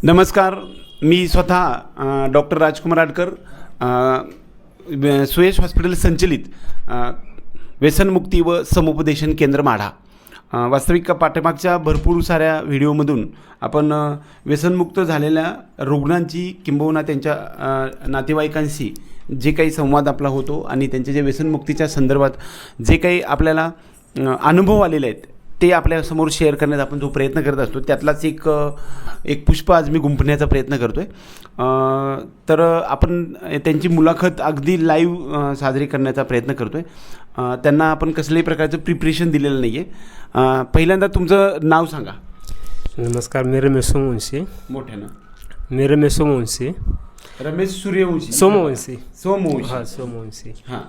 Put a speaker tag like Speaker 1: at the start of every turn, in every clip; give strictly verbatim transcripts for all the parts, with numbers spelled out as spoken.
Speaker 1: नमस्कार, मी स्वतः डॉक्टर राजकुमार आडकर, अ, सुयश हॉस्पिटल संचलित अ, व्यसनमुक्ती व समुपदेशन केंद्र माढा. अ, वास्तविक पाठीमागच्या भरपूर साऱ्या व्हिडिओमधून आपण अ, व्यसनमुक्त झालेल्या रुग्णांची किंबहुना त्यांच्या अ, नातेवाईकांशी जे काही संवाद आपला होतो आणि त्यांच्या जे व्यसनमुक्तीच्या संदर्भात जे काही आपल्याला अ, अनुभव आलेले आहेत ते आपल्यासमोर शेअर करण्याचा आपण जो प्रयत्न करत असतो त्यातलाच एक एक पुष्प आज मी गुंफण्याचा प्रयत्न करतो आहे. तर आपण त्यांची मुलाखत अगदी लाईव्ह साजरी करण्याचा प्रयत्न करतो आहे. त्यांना आपण कसल्याही प्रकारचं प्रिपरेशन दिलेलं नाही आहे. पहिल्यांदा तुमचं नाव सांगा.
Speaker 2: नमस्कार, मी रमेश सोमवंशी.
Speaker 1: मोठ्यानं.
Speaker 2: मी रमेश सोमवंशी.
Speaker 1: रमेश सूर्यवंशी.
Speaker 2: सोमवंशी.
Speaker 1: सोमवंशी.
Speaker 2: हां, सोमवंशी.
Speaker 1: हां.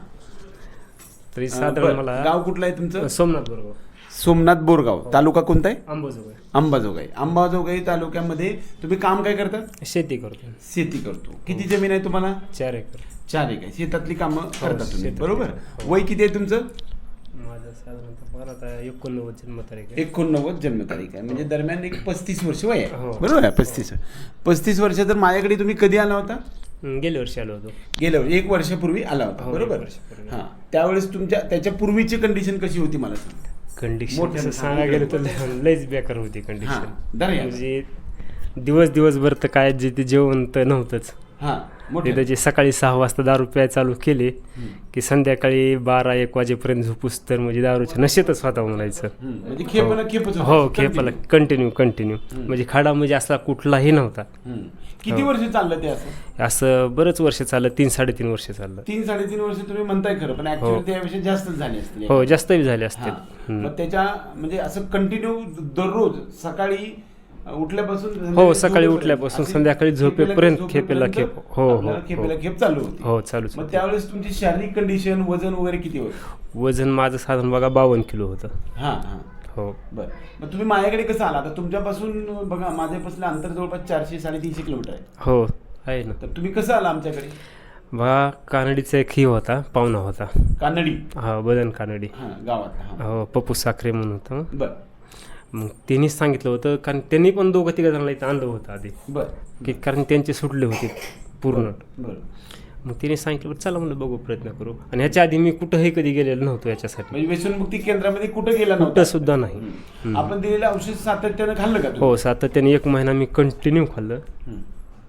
Speaker 2: तरी साधारण मला
Speaker 1: गाव कुठलं आहे तुमचं?
Speaker 2: सोमनाथ बोरगाव.
Speaker 1: सोमनाथ बोरगाव. तालुका कोणता आहे?
Speaker 2: अंबाजोगाई.
Speaker 1: अंबाजोगाई. अंबाजोगाई तालुक्यामध्ये तुम्ही काम काय करता?
Speaker 2: शेती करतो.
Speaker 1: शेती करतो. किती जमीन आहे तुम्हाला?
Speaker 2: चार एकर.
Speaker 1: चार एकर. शेतातली कामं करता तुम्ही,
Speaker 2: शेतातली
Speaker 1: बरोबर?
Speaker 2: कामं.
Speaker 1: वय किती आहे तुमचं?
Speaker 2: माझं साधारणतः मला आता एकोणनव्वद जन्मतारीख आहे.
Speaker 1: एकोणनव्वद जन्मतारीख आहे, म्हणजे दरम्यान एक पस्तीस वर्ष वय आहे,
Speaker 2: हो.
Speaker 1: बरोबर आहे? पस्तीस पस्तीस वर्ष. तर माझ्याकडे तुम्ही कधी आला होता?
Speaker 2: हं, गेल्या वर्षी आलो होतो.
Speaker 1: गेल्या वर्षी एक वर्षापूर्वी आला होता,
Speaker 2: हो,
Speaker 1: बरोबर?
Speaker 2: एक वर्षापूर्वी.
Speaker 1: हां. त्यावेळेस तुमच्या त्याच्या पूर्वीची कंडिशन कशी होती मला सांग.
Speaker 2: कंडिशन
Speaker 1: मोठ्यानं
Speaker 2: तसं सांगायला गेलं तर लयच बेकार होती
Speaker 1: हां,
Speaker 2: कंडिशन.
Speaker 1: धरा या.
Speaker 2: म्हणजे दिवस दिवसभर तर काय जे ते जेवण तर नव्हतंच.
Speaker 1: हां, मोठे.
Speaker 2: एकदा जे सकाळी सहा वाजता दारू प्यायला चालू केले
Speaker 1: हं.
Speaker 2: की संध्याकाळी बारा एक वाजेपर्यंत झोपूस तर म्हणजे दारूच्या नशेतच होता म्हणायचं.
Speaker 1: हं, म्हणजे खेपला खेपच होता.
Speaker 2: हो, खेपाला कंटिन्यू कंटिन्यू म्हणजे खाडा म्हणजे असला कुठलाही नव्हता.
Speaker 1: हं. किती वर्ष चाललं ते असं?
Speaker 2: असं बरंच वर्ष चाललं, तीन साडेतीन वर्ष चाललं.
Speaker 1: तीन साडेतीन वर्ष तुम्ही म्हणताय खरं, पण ऍक्च्युअली त्यापेक्षा जास्तच झाली असतील.
Speaker 2: हो, जास्तही झाले असतील.
Speaker 1: हां. मग त्याच्या म्हणजे असं कंटिन्यू दररोज सकाळी उठल्यापासून
Speaker 2: हो,
Speaker 1: संध्याकाळी
Speaker 2: सकाळी
Speaker 1: झोपेपर्यंत
Speaker 2: उठल्यापासून
Speaker 1: अशी
Speaker 2: संध्याकाळी झोपेपर्यंत खेपेला खेप. हो हो
Speaker 1: आपल्याला खेपेला
Speaker 2: हो.
Speaker 1: खेप चालू होती.
Speaker 2: हो, चालूच
Speaker 1: मग
Speaker 2: होतं.
Speaker 1: त्यावेळेस तुमची शारीरिक कंडिशन, वजन वगैरे किती होतं?
Speaker 2: वजन माझं साधारण बघा बावन्न किलो होतं.
Speaker 1: हां हां.
Speaker 2: हो.
Speaker 1: बरं. मग तुम्ही माझ्याकडे कसं आला? आता तुमच्यापासून बघा, माझ्यापासून अंतर जवळपास चारशे साडेतीनशे किलोमीटर आहे.
Speaker 2: हो, आहे ना.
Speaker 1: तर तुम्ही कसं आला आमच्याकडे?
Speaker 2: बघा, कानडीचा एक ही होता, पाहुणा होता.
Speaker 1: कानडी.
Speaker 2: हा, बदन कानडी.
Speaker 1: हां, गावात. हां.
Speaker 2: हो, पप्पू साखरे म्हणून होतं.
Speaker 1: बरं
Speaker 2: मग त्यांनीच सांगितलं होतं, कारण त्यांनी पण दोघं तिघं जणांना इथं आणलं होतं आधी,
Speaker 1: बरं
Speaker 2: की कारण त्यांचे सुटले होते पूर्ण.
Speaker 1: बरं.
Speaker 2: मग त्यांनी सांगितलं बरं चला म्हणलं बघू, प्रयत्न करू. आणि ह्याच्या आधी मी कुठंही कधी गेलेलो नव्हतो याच्यासाठी,
Speaker 1: म्हणजे व्यसनमुक्ती केंद्रामध्ये कुठं गेला
Speaker 2: कुठं
Speaker 1: नव्हता?
Speaker 2: सुद्धा नाही.
Speaker 1: हं. आपण दिलेलं औषध सातत्यानं खाल्लं का तुम्ही?
Speaker 2: हो, सातत्याने एक महिना मी कंटिन्यू खाल्लं.
Speaker 1: हं.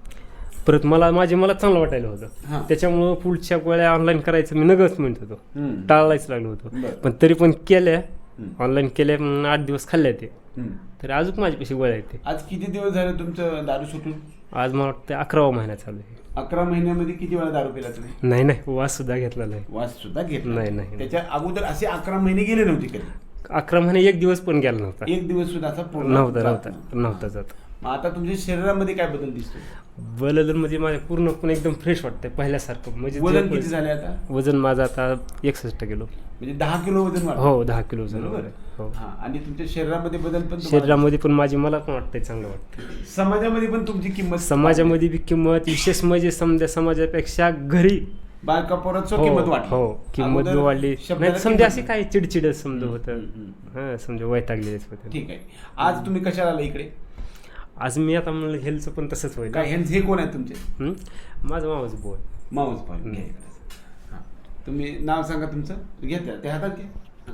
Speaker 2: परत मला माझे मला चांगलं वाटायला
Speaker 1: हां.
Speaker 2: होतं, त्याच्यामुळं पुढच्या गोळ्या ऑनलाईन करायचं मी नगच म्हणत होतो,
Speaker 1: हं.
Speaker 2: टाळायच लागलो होतो.
Speaker 1: बरं.
Speaker 2: पण तरी पण केल्या,
Speaker 1: हं.
Speaker 2: ऑनलाईन केल्या, मग आठ दिवस खाल्ल्या ते.
Speaker 1: हं.
Speaker 2: तर अजून माझ्यापाशी गोळ्या येते.
Speaker 1: आज किती दिवस झाले तुमचं दारू सुटून?
Speaker 2: आज मला वाटतं अकरावा महिना चालू आहे.
Speaker 1: अकरा महिन्यामध्ये किती वेळा दारू पिला तुम्ही?
Speaker 2: नाही नाही, वास सुद्धा घेतला नाही.
Speaker 1: वास सुद्धा घेतला
Speaker 2: नाही, नाही.
Speaker 1: त्याच्या अगोदर असे अकरा महिने गेले नव्हते कधी?
Speaker 2: अकरा महिने एक दिवस पण गेला नव्हता.
Speaker 1: एक दिवस सुद्धा असा पूर्ण
Speaker 2: नव्हता
Speaker 1: जात
Speaker 2: नव्हता
Speaker 1: नव्हता.
Speaker 2: नव्हता जात.
Speaker 1: मग आता तुमच्या शरीरामध्ये काय बदल दिसतो?
Speaker 2: बदल म्हणजे माझ्या पूर्णपणे एकदम फ्रेश वाटतंय पहिल्यासारखं. म्हणजे
Speaker 1: वजन
Speaker 2: जे-
Speaker 1: किती झाले आता?
Speaker 2: वजन माझं आता एकसष्ट किलो.
Speaker 1: म्हणजे दहा किलो वजन वाढलं.
Speaker 2: हो, दहा किलो वजन
Speaker 1: बरोबर.
Speaker 2: वाढलंय. हो.
Speaker 1: हा. आणि तुमच्या शरीरामध्ये बदल पण तुम्हाला-
Speaker 2: शरीरामध्ये पण माझी मला पण वाटतंय चांगलं वाटतं.
Speaker 1: समाजामध्ये पण तुमची किंमत
Speaker 2: समाजामध्ये बी किंमत विशेष म्हणजे समजा समाजापेक्षा घरी
Speaker 1: बायका पोरात
Speaker 2: हो,
Speaker 1: किंमत वाढली.
Speaker 2: हो, किंमत बी
Speaker 1: अगोदर
Speaker 2: वाढली.
Speaker 1: शब्दाला
Speaker 2: नाही समजा
Speaker 1: किंमत
Speaker 2: अशी काय चिडचिड समजा होतं.
Speaker 1: हम्म, हम्म.
Speaker 2: हा, समजा वैतागलेच होते.
Speaker 1: ठीक आहे. आज तुम्ही कशाला आला इकडे?
Speaker 2: आज मी आता म्हणलं हेल्थचं पण तसंच होईल.
Speaker 1: काय ह्यांचे हे कोण आहे तुमचे?
Speaker 2: हं? माझं मावस बोल.
Speaker 1: माऊस पाहिजे. घ्या इकडे. हां. तुम्ही नाव सांगा तुमचं. घ्या त्या त्या हातात घ्या. हां.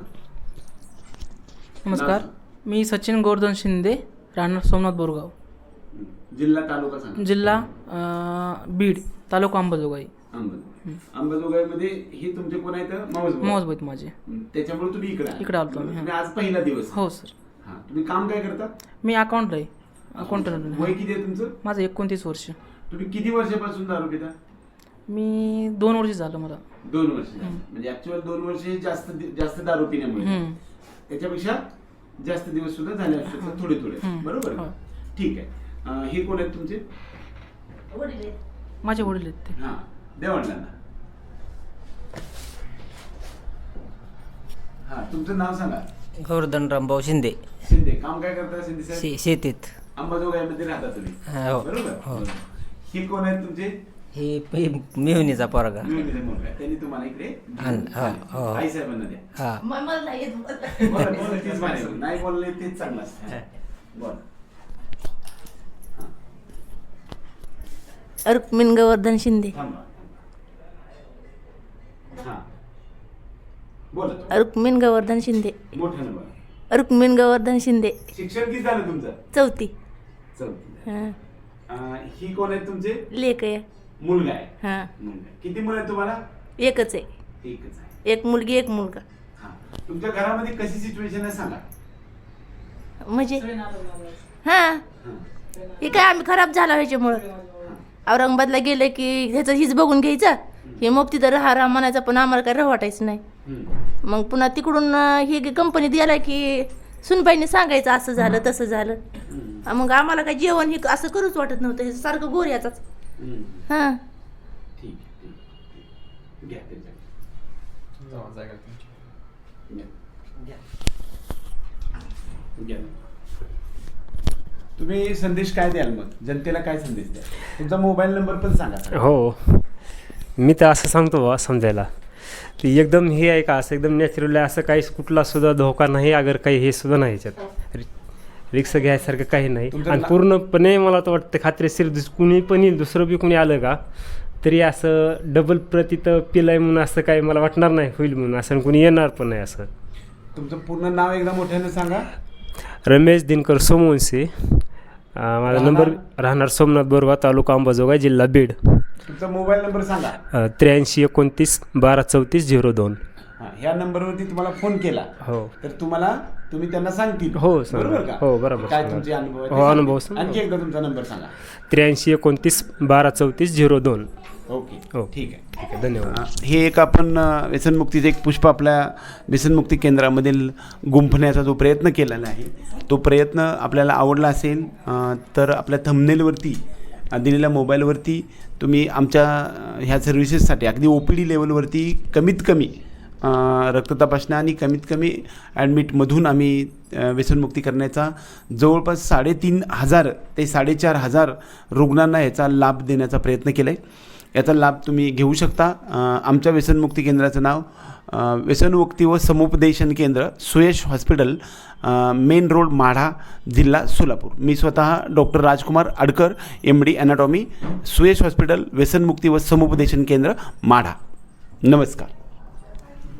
Speaker 3: नमस्कार, मी सचिन गोवर्धन शिंदे, राहणार सोमनाथ बोरगाव,
Speaker 1: जिल्हा तालुका सांगा.
Speaker 3: जिल्हा अं, बीड, तालुका अंबाजोगाई.
Speaker 1: अंबाजोगाई. अंबाजोगाईमध्ये हे तुमचे कोण आहेत? माऊस भाऊ.
Speaker 3: मौजबैत माझे.
Speaker 1: त्याच्यामुळे तुम्ही इकडे आले.
Speaker 3: इकडे आलतो आम्ही,
Speaker 1: तुम्ही आज पहिला दिवस.
Speaker 3: हो सर.
Speaker 1: हां. तुम्ही काम काय करता?
Speaker 3: मी अकाउंट आहे, अकाउंटंट.
Speaker 1: वय किती आहे तुमचं?
Speaker 3: माझं एकोणतीस वर्ष.
Speaker 1: तुम्ही किती वर्षापासून दारू पिता?
Speaker 3: मी दोन वर्ष झालं मला.
Speaker 1: दोन वर्ष झाली. म्हणजे ऍक्च्युअल दोन वर्ष हे जास्त जास्त दारू पिण्यामुळे.
Speaker 3: हम्म.
Speaker 1: त्याच्यापेक्षा जास्त दिवस सुद्धा झाले असू शकतात, थोडे थोडे.
Speaker 3: हम्म.
Speaker 1: बरोबर.
Speaker 3: हो.
Speaker 1: ठीक आहे. अं, हे कोण आहेत तुमचे?
Speaker 3: माझे वडील आहेत ते.
Speaker 1: हां. द्या वडिलांना. हां. तुमचं नाव सांगा.
Speaker 4: गोवर्धन रामभाऊ शिंदे.
Speaker 1: शिंदे. काम काय करता शिंदे साहेब?
Speaker 4: शे शेतीत.
Speaker 1: अंबाजोगाईमध्ये राहता तुम्ही,
Speaker 4: हो.
Speaker 1: बरोबर?
Speaker 4: हो.
Speaker 1: हे कोण आहेत तुमचे?
Speaker 4: हे हे मिळवणीचा पोरगा.
Speaker 1: मिळून मुलगा. त्यांनी तुम्हाला इकडे
Speaker 4: आण- हा, हो.
Speaker 1: आई साहेबांना द्या.
Speaker 4: हा.
Speaker 1: बोला, बोला, तेच म्हणायचं. नाही बोलले तेच चांगलं असतं. बोला. हां.
Speaker 5: रुक्मिण गोवर्धन शिंदे.
Speaker 1: थांबा. हां बोला.
Speaker 5: रुक्मिण गोवर्धन शिंदे.
Speaker 1: मोठ्यानं बोला.
Speaker 5: रुक्मिण गोवर्धन शिंदे.
Speaker 1: शिक्षण किती झालं तुमचं?
Speaker 5: चौथी.
Speaker 1: चौथी.
Speaker 5: हां.
Speaker 1: अं, ही कोण आहे तुमचे?
Speaker 5: लेक आहे.
Speaker 1: मुलगा आहे.
Speaker 5: हां.
Speaker 1: मुलगा. किती मुलं आहेत तुम्हाला?
Speaker 5: एकच आहे.
Speaker 1: एकच आहे.
Speaker 5: एक मुलगी एक मुलगा.
Speaker 1: हां. तुमच्या घरामध्ये कशी सिच्युएशन आहे सांगा.
Speaker 5: म्हणजे हां
Speaker 1: हां.
Speaker 5: हे काय आम्ही खराब झाला ह्याच्यामुळं. औरंगाबादला गेलं की ह्याचं हीच बघून घ्यायचं, हे मग तिथं राहा राहा म्हणायचं, पण आम्हाला काय राह वाटायचं नाही.
Speaker 1: हम्म.
Speaker 5: मग पुन्हा तिकडून अं, ही कंपनीत गेला की सुनबाईने सांगायचं असं झालं तसं झालं.
Speaker 1: हम्म.
Speaker 5: मग आम्हाला काय जेवण हे असं करूच वाटत नव्हतं, हे सारखं गोर याचाच.
Speaker 1: हम्म.
Speaker 5: हां.
Speaker 1: ठीक आहे, ठीक आहे. घ्या ते जागा. घ्या. घ्या. तुम्ही संदेश काय द्याल मग जनतेला, काय संदेश द्याल? तुमचा मोबाईल नंबर पण सांगा.
Speaker 2: हो, मी तर असं सांगतो बा समजायला, की एकदम हे आहे का, असं एकदम नॅचरल आहे, असं काही कुठला सुद्धा धोका नाही, अगर काही हे सुद्धा नाही याच्यात, रिक्स घ्यायसारखं काही नाही.
Speaker 1: तुमचं
Speaker 2: आणि
Speaker 1: ना-
Speaker 2: पूर्णपणे मला तर वाटतं खात्रीशीर दुस कुणी पण येईल, दुसरं बी कुणी आलं का तरी असं डबल प्रतीत पिलाय म्हणून असं काही मला वाटणार नाही होईल म्हणून, असं कुणी येणार पण नाही. असं
Speaker 1: तुमचं पूर्ण नाव एकदा मोठ्यानं सांगा.
Speaker 2: रमेश दिनकर सोमवंशी, अं, माझा नंबर राहणार सोमनाथ बोरगाव, तालुका अंबाजोगाई, जिल्हा बीड.
Speaker 1: तुमचा मोबाईल नंबर सांगा.
Speaker 2: त्र्याऐंशी एकोणतीस बारा चौतीस झिरो दोन.
Speaker 1: हां, ह्या नंबरवरती तुम्हाला फोन केला
Speaker 2: हो
Speaker 1: तर तुम्हाला तुम्ही त्यांना सांगतील.
Speaker 2: हो, सांगा.
Speaker 1: बरोबर का?
Speaker 2: हो, बरोबर.
Speaker 1: काय तुमचे अनुभव आहेत ते
Speaker 2: हो, अनुभव
Speaker 1: सांगतील.
Speaker 2: सांगा.
Speaker 1: आणखी एकदा तुमचा नंबर सांगा.
Speaker 2: त्र्याऐंशी एकोणतीस बारा चौतीस झिरो दोन.
Speaker 1: ओके.
Speaker 2: हो.
Speaker 1: ठीक आहे.
Speaker 2: ठीक आहे, धन्यवाद.
Speaker 1: अ, हे एक आपण अ, व्यसनमुक्तीचं एक पुष्प आपल्या व्यसनमुक्ती केंद्रामधील गुंफण्याचा जो प्रयत्न केलेला आहे, तो प्रयत्न आपल्याला आवडला असेल अ, तर आपल्या थंबनेलवरती अ, दिलेल्या मोबाईलवरती तुम्ही आमच्या अ, ह्या सर्व्हिसेससाठी अगदी ओ पी डी लेवलवरती कमीत कमी अ, रक्त तपासण्या आणि कमीत कमी ॲडमिटमधून आम्ही अ, व्यसनमुक्ती करण्याचा जवळपास साडेतीन हजार ते साडेचार हजार रुग्णांना याचा लाभ देण्याचा प्रयत्न केला आहे. याचा लाभ तुम्ही घेऊ शकता. अ, आमच्या व्यसनमुक्ती केंद्राचं नाव अ, व्यसनमुक्ती व समुपदेशन केंद्र, सुयश हॉस्पिटल, अ, मेन रोड, माढा, जिल्हा सोलापूर. मी स्वतः doctor Rajkumar Adkar, M D anatomy, Suyash hospital, व्यसनमुक्ती व समुपदेशन केंद्र, माढा. नमस्कार.